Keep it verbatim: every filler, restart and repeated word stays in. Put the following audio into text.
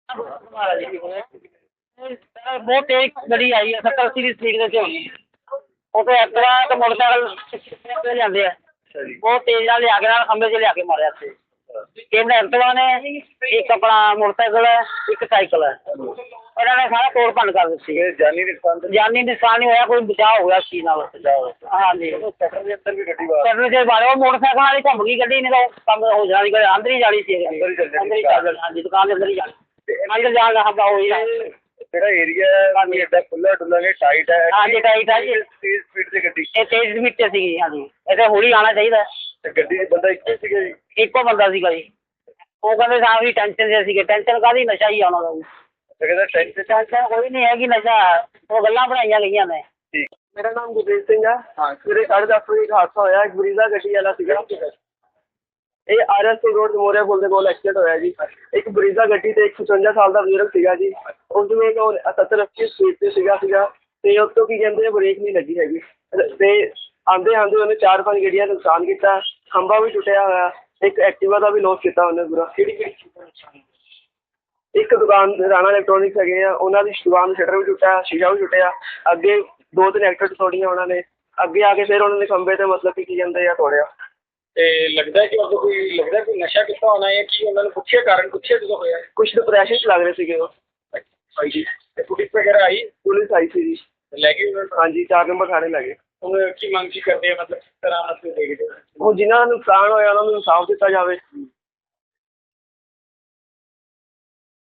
बहुत तेज गड्डी आई है सत्तर अस्सी की स्पीड से होनी ਉਹ ਤੇ ਐਕਟਿਵਾ ਤੇ ਮੋਟਰਸਾਈਕਲ ਤੇ ਜਾਂਦੇ ਆ ਬਹੁਤ ਤੇਜ਼ ਨਾਲ ਲਿਆ ਕੇ ਨਾਲ ਖੰਭੇ 'ਚ ਲਿਆ ਕੇ ਮਾਰਿਆ ਇੱਥੇ ਤਿੰਨ ਐਕਟਿਵਾ ਨੇ ਇੱਕ ਆਪਣਾ ਮੋਟਰਸਾਈਕਲ ਹੈ ਇੱਕ ਸਾਈਕਲ ਹੈ ਇਹਨਾਂ ਨੇ ਸਾਰਾ ਤੋੜ ਭੰਨ ਕਰ ਦਿੱਤੀ ਜਾਨੀ ਨੁਕਸਾਨ ਜਾਨੀ ਨੁਕਸਾਨ ਨਹੀਂ ਹੋਇਆ ਕੋਈ ਬਚਾਅ ਹੋ ਗਿਆ ਇਸ ਚੀਜ਼ ਨਾਲ ਹਾਂਜੀ ਸ਼ਟਰ ਦੇ ਅੰਦਰ ਵੀ ਗੱਡੀ ਸ਼ਟਰ ਦੇ ਬਾਰੇ ਉਹ ਮੋਟਰਸਾਈਕਲ ਵਾਲੀ ਘੁੰਮ ਗਈ ਗੱਡੀ ਨਹੀਂ ਤਾਂ ਕੰਮ ਹੋ ਜਾਣੀ ਅੰਦਰ ਹੀ ਜਾਣੀ ਸੀ ਅੰਦਰ ਹੀ ਹਾਂਜੀ ਦੁਕਾਨ ਦੇ ਅੰਦਰ ਹੀ ਜਾਣੀ ਅੰਦਰ ਜਾਣ ਦਾ ਹੱਬਾ ਹੋਈ ਜਿਹੜਾ ਏਰੀਆ ਹੈ ਐਡਾ ਖੁੱਲਾ ਡੁੱਲਾ ਨਹੀਂ ਟਾਈਟ ਹੈ ਹਾਂਜੀ ਟਾਈਟ ਹੈ ਜੀ ਤੇਜ਼ ਸਪੀਡ ਤੇ ਗੱਡੀ ਇਹ ਤੇਜ਼ ਸਪੀਡ ਤੇ ਸੀਗੀ ਹਾਂਜੀ ਇਹਦੇ ਹੌਲੀ ਆਉਣਾ ਚਾਹੀਦਾ ਤੇ ਗੱਡੀ 'ਚ ਬੰਦਾ ਇੱਕੋ ਸੀਗਾ ਜੀ ਇੱਕੋ ਬੰਦਾ ਸੀਗਾ ਜੀ ਉਹ ਕਹਿੰਦੇ ਸਾਹ ਵੀ ਟੈਨਸ਼ਨ ਦੇ ਸੀਗੇ ਟੈਨਸ਼ਨ ਕਾਹਦੀ ਨਸ਼ਾ ਹੀ ਆਉਣਾ ਦਾ ਕਹਿੰਦਾ ਟੈਨਸ਼ਨ ਟੈਨਸ਼ਨ ਕੋਈ ਨਹੀਂ ਹੈਗੀ ਨਸ਼ਾ ਉਹ ਗੱਲਾਂ ਬਣਾਈਆਂ ਗਈਆਂ ਨੇ ਠੀਕ ਮੇਰਾ ਨਾਮ ਗੁਰਦੀਪ ਸਿੰਘ ਆ ਹਾਂ ਸਵੇਰੇ ਸਾਢੇ ਦਸ ਵਜੇ ਇੱਕ ਹਾਦਸਾ ਹੋਇਆ ਇੱਕ ਬਰੀਜ਼ਾ ਗੱਡੀ ਵਾਲਾ ਸੀਗਾ ਇਹ ਆਰ ਐਸ ਟੀ ਰੋਡ ਮੋਰਿਆ ਪੁਲ ਦੇ ਕੋਲ ਐਕਸੀਡੈਂਟ ਹੋਇਆ ਜੀ ਇੱਕ ਬਰੀਜ਼ਾ ਗੱਡੀ ਤੇ ਇੱਕ ਪਚਵੰਜਾ ਸਾਲ ਦਾ ਬਜ਼ੁਰਗ ਸੀਗਾ ਜੀ ਉਸ ਨੂੰ ਇੱਕ ਸੱਤਰ ਅੱਸੀ ਸਪੀਡ ਤੇ ਸੀਗਾ ਸੀਗਾ ਤੇ ਉਸ ਤੋਂ ਕੀ ਕਹਿੰਦੇ ਬ੍ਰੇਕ ਨਹੀਂ ਲੱਗੀ ਹੈਗੀ ਤੇ ਆਉਂਦੇ ਆਉਂਦੇ ਉਹਨੇ ਚਾਰ ਪੰਜ ਗੱਡੀਆਂ ਦਾ ਨੁਕਸਾਨ ਕੀਤਾ ਖੰਭਾ ਵੀ ਟੁੱਟਿਆ ਹੋਇਆ ਇੱਕ ਐਕਟਿਵਾ ਦਾ ਵੀ ਲੋਸ ਕੀਤਾ ਉਹਨੇ ਪੂਰਾ ਕਿਹੜੀ ਕਿਹੜੀ ਇੱਕ ਦੁਕਾਨ ਰਾਣਾ ਇਲੈਕਟ੍ਰੋਨਿਕਸ ਹੈਗੇ ਆ ਉਹਨਾਂ ਦੀ ਦੁਕਾਨ ਸ਼ਟਰ ਵੀ ਟੁੱਟਿਆ ਸ਼ੀਸ਼ਾ ਵੀ ਟੁੱਟਿਆ ਅੱਗੇ ਦੋ ਤਿੰਨ ਐਕਟਰ ਤੋੜੀਆਂ ਉਹਨਾਂ ਨੇ ਅੱਗੇ ਆ ਕੇ ਫਿਰ ਉਹਨਾਂ ਨੇ ਖੰਭੇ ਤੇ ਮਤਲਬ ਕਿ ਕੀ ਕਹਿੰਦੇ ਆ ਤੋੜਿਆ ਤੇ ਲੱਗਦਾ ਕਿ ਉਹ ਕੋਈ ਲੱਗਦਾ ਕੋਈ ਨਸ਼ਾ ਕੀਤਾ ਹੋਣਾ ਹੈ ਕਿ ਉਹਨਾਂ ਨੂੰ ਪੁੱਛਿਆ ਕਾਰਨ ਪੁੱਛਿਆ ਜਦੋਂ ਹੋਇਆ ਕੁਛ ਡਿਪਰੈਸ਼ਨ 'ਚ ਲੱਗ ਰਹੇ ਸੀਗੇ ਉਹ ਹਾਂਜੀ ਤੇ ਪੁਲਿਸ ਵਗੈਰਾ ਆਈ ਪੁਲਿਸ ਆਈ ਸੀ ਜੀ ਲੈ ਗਏ ਹਾਂਜੀ ਚਾਰ ਨੰਬਰ ਥਾਣੇ ਲੈ ਗਏ ਹੁਣ ਕੀ ਮੰਗ ਕੀ ਕਰਦੇ ਆ ਮਤਲਬ ਕਿਸ ਤਰ੍ਹਾਂ ਮਤਲਬ ਦੇਖਦੇ ਹੋ ਹੁਣ ਜਿਨ੍ਹਾਂ ਦਾ ਨੁਕਸਾਨ ਹੋਇਆ ਉਹਨਾਂ ਨੂੰ ਇਨਸਾਫ ਦਿੱਤਾ ਜਾਵੇ